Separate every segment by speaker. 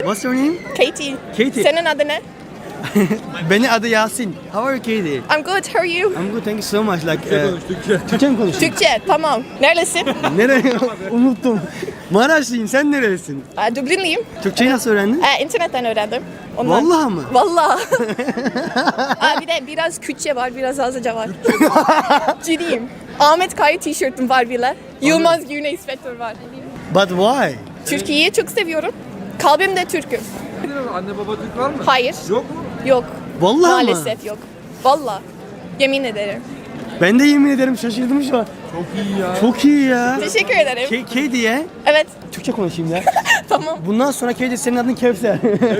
Speaker 1: What's your name?
Speaker 2: Katie.
Speaker 1: Katie.
Speaker 2: Senin adı ne?
Speaker 1: Benim adı Yasin. How are you Katie?
Speaker 2: I'm good. How are you?
Speaker 1: I'm good, thank you so much. Türkçe mi konuşuyorsun?
Speaker 2: Türkçe. Tamam. Neredesin?
Speaker 1: Nereye? Unuttum. Maraşlıyım, sen neresin?
Speaker 2: Dublinliyim.
Speaker 1: Türkçeyi nasıl öğrendin?
Speaker 2: İnternetten öğrendim. Ondan.
Speaker 1: Vallahi mı?
Speaker 2: Vallahi. Bir de biraz Kürtçe var, biraz Azca var. Ciddiyim. Ahmet Kaya tişörtüm var bile. Yılmaz Güney sweater var.
Speaker 1: But why?
Speaker 2: Türkiye'yi çok seviyorum. Kalbimde Türk'üm.
Speaker 3: Anne baba Türk var mı?
Speaker 2: Hayır.
Speaker 3: Yok mu?
Speaker 2: Yok.
Speaker 1: Vallahi
Speaker 2: Maalesef yok. Vallahi. Yemin ederim.
Speaker 1: Ben de yemin ederim şaşırdım şu an.
Speaker 3: Çok iyi ya.
Speaker 1: Çok iyi ya.
Speaker 2: Teşekkür ederim.
Speaker 1: Katie'ye
Speaker 2: Evet.
Speaker 1: Türkçe konuşayım ya.
Speaker 2: Tamam.
Speaker 1: Bundan sonra Katie senin adın Kevser.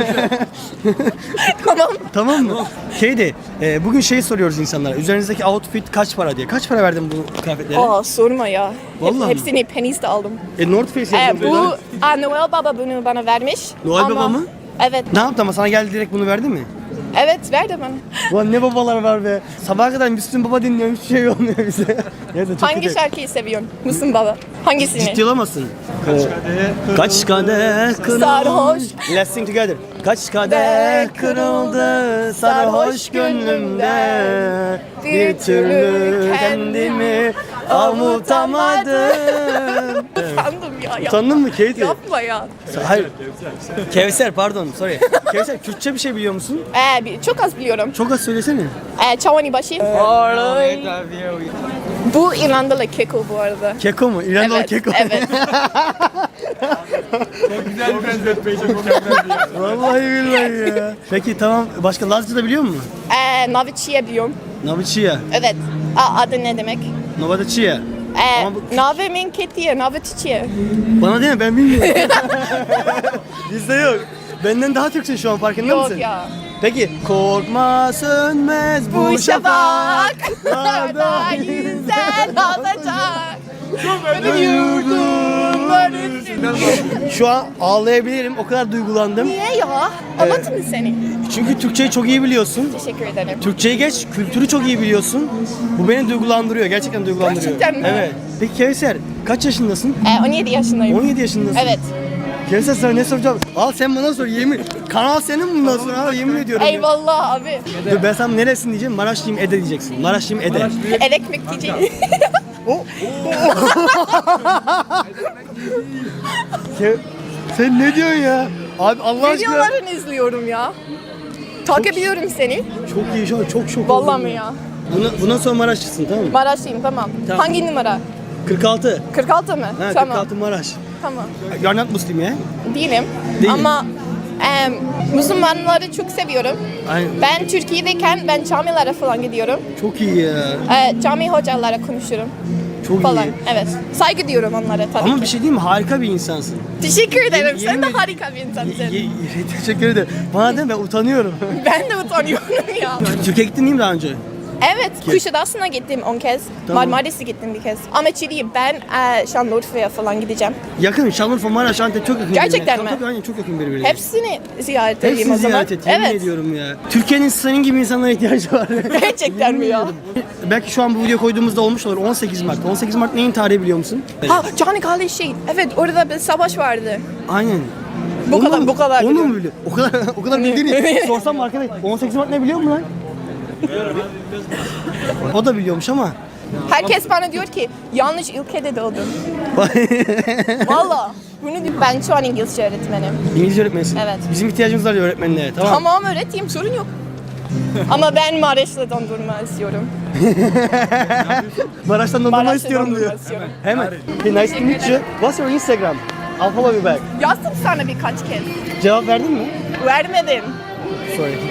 Speaker 2: Tamam.
Speaker 1: Tamam mı? Katie, bugün şey soruyoruz insanlara. Üzerinizdeki outfit kaç para diye. Kaç para verdin bu kıyafetlere?
Speaker 2: Sorma ya.
Speaker 1: Vallahi mi?
Speaker 2: Hepsini penny'de aldım.
Speaker 1: North Face yazıyor.
Speaker 2: Bu Noel Baba bunu bana vermiş.
Speaker 1: Noel
Speaker 2: Ama-
Speaker 1: Baba mı?
Speaker 2: Evet.
Speaker 1: Ne yaptı ama sana geldi direkt bunu verdi mi?
Speaker 2: Evet verdi bana.
Speaker 1: Ulan ne babalar var be. Sabaha kadar Müslüm Baba dinliyorum, hiçbir şey olmuyor bize. Neyse, çok
Speaker 2: Hangi
Speaker 1: kötü.
Speaker 2: şarkıyı seviyorsun? Müslüm Baba. Hangisini?
Speaker 1: Ciddi olamazsın. Kaç kadeh kırıldı.
Speaker 2: Sarhoş.
Speaker 1: Let's sing together. Kaç kadeh kırıldı sarhoş gönlümde. Bir türlü kendimi avutamadım.
Speaker 2: Utandım ya.
Speaker 1: Utandın mı Katie?
Speaker 2: Yapma ya.
Speaker 1: Hayır. Kevser pardon sorry. Kevser Kürtçe bir şey biliyor musun?
Speaker 2: Çok az biliyorum.
Speaker 1: Çok az söylesene.
Speaker 2: Çavani başı. Bu İrlandalı keko bu arada.
Speaker 1: Keko mu? İrandalı
Speaker 2: Evet.
Speaker 1: keko.
Speaker 2: Evet.
Speaker 3: Çok güzel bir benzetmeyi çok mükemmel ya.
Speaker 1: Vallahi billahi ya. Peki tamam. Başka Lazca da biliyor musun?
Speaker 2: Naviçiye biliyorum.
Speaker 1: Naviçiya.
Speaker 2: Evet. Adı ne demek?
Speaker 1: Novadaçiya. Ama bu-
Speaker 2: Nave min ketiye, navetiçiye.
Speaker 1: Bana değil mi? Ben bilmiyorum. Bizde yok. Benden daha Türkçe şu an farkında
Speaker 2: Yok
Speaker 1: mısın?
Speaker 2: ya.
Speaker 1: Peki. Korkma sönmez bu şafak.
Speaker 2: Şafaklarda güzel olacak. Benim yurdumlar üstünde.
Speaker 1: Şu an ağlayabilirim. O kadar duygulandım.
Speaker 2: Niye ya? Anlatın mı seni?
Speaker 1: Çünkü Türkçeyi çok iyi biliyorsun.
Speaker 2: Teşekkür ederim.
Speaker 1: Türkçeyi geç, kültürü çok iyi biliyorsun. Bu beni duygulandırıyor. Gerçekten duygulandırıyor.
Speaker 2: Gerçekten mi?
Speaker 1: Evet. Peki Kevser, kaç yaşındasın?
Speaker 2: 17 yaşındayım.
Speaker 1: 17 yaşındasın.
Speaker 2: Evet.
Speaker 1: Kevser sana ne soracağım? Al sen bana sor yemin. Kanal senin bundan sonra al yemin ediyorum. ya.
Speaker 2: Eyvallah abi.
Speaker 1: Dur ben sana neresin diyeceğim. Maraşlıyım Ede diyeceksin. Maraşlıyım Ede.
Speaker 2: El ekmek diyeceğim.
Speaker 1: Sen ne diyorsun ya? Abi Allah aşkına.
Speaker 2: Videolarını izliyorum ya. Takip ediyorum seni.
Speaker 1: Çok iyi şu an çok şok
Speaker 2: Vallahi
Speaker 1: oldum
Speaker 2: mi
Speaker 1: ya?
Speaker 2: ya?
Speaker 1: Bundan sonra Maraşlısın tamam mı?
Speaker 2: Maraşlıyım tamam.
Speaker 1: Tamam.
Speaker 2: Hangi numara?
Speaker 1: 46.
Speaker 2: 46 mı?
Speaker 1: Ha,
Speaker 2: Tamam.
Speaker 1: 46 Maraş.
Speaker 2: Tamam.
Speaker 1: You're not Muslim ya?
Speaker 2: Değilim.
Speaker 1: Değil.
Speaker 2: Ama Müslümanları çok seviyorum.
Speaker 1: Aynen.
Speaker 2: Ben Türkiye'deyken ben camilere falan gidiyorum.
Speaker 1: Çok iyi ya.
Speaker 2: Cami hocalara konuşurum
Speaker 1: Çok
Speaker 2: falan.
Speaker 1: iyi.
Speaker 2: Evet. Saygı diyorum onlara tabii
Speaker 1: Ama
Speaker 2: ki.
Speaker 1: bir şey diyeyim mi? Harika bir insansın.
Speaker 2: Teşekkür ederim. Sen de
Speaker 1: yemin-
Speaker 2: harika bir insansın.
Speaker 1: Teşekkür ederim. Bana deme ben utanıyorum.
Speaker 2: Ben de utanıyorum ya.
Speaker 1: Türkiye'ye gittin değil mi daha önce?
Speaker 2: Evet, Kuşadası'na gittim 10 kez.
Speaker 1: Tamam.
Speaker 2: Marmaris'e gittim bir kez. Ama çiliyim. Ben Şanlıurfa'ya falan gideceğim.
Speaker 1: Yakın. Şanlıurfa, Maraş, Antep çok yakın.
Speaker 2: Gerçekten
Speaker 1: birbirine.
Speaker 2: mi?
Speaker 1: Tabii aynen çok yakın birbirine.
Speaker 2: Hepsini ziyaret edeyim
Speaker 1: Hepsini
Speaker 2: o zaman.
Speaker 1: ziyaret et. Yemin
Speaker 2: Evet.
Speaker 1: ediyorum ya. Türkiye'nin senin gibi insanlara ihtiyacı var.
Speaker 2: Gerçekten mi ya?
Speaker 1: Belki şu an bu video koyduğumuzda olmuş olur. 18 Mart. 18 Mart neyin tarihi biliyor musun?
Speaker 2: Ha, Canikale şey. Evet, orada bir savaş vardı.
Speaker 1: Aynen.
Speaker 2: Bu
Speaker 1: Onu
Speaker 2: kadar-
Speaker 1: mu-
Speaker 2: bu kadar
Speaker 1: Onu mu
Speaker 2: biliyorum.
Speaker 1: biliyor? O kadar bildiğini sorsam mı arkadaş? 18 Mart ne biliyor mu lan? O da biliyormuş ama.
Speaker 2: Herkes bana diyor ki yanlış ülkede doğdun. Valla. Ben şu an İngilizce öğretmenim.
Speaker 1: İngilizce öğretmenisin.
Speaker 2: Evet.
Speaker 1: Bizim ihtiyacımız var öğretmenlere. Tamam.
Speaker 2: Tamam öğreteyim, sorun yok. Ama ben Maraş'la dondurma istiyorum.
Speaker 1: Maraş'tan dondurma
Speaker 2: Maraş'ta
Speaker 1: istiyorum
Speaker 2: dondurma
Speaker 1: diyor.
Speaker 2: istiyorum.
Speaker 1: Hemen. Hey, nice to meet you. What's your Instagram? I'll follow you back.
Speaker 2: Yazdım sana birkaç kez.
Speaker 1: Cevap verdin mi?
Speaker 2: Vermedim.
Speaker 1: Sorry.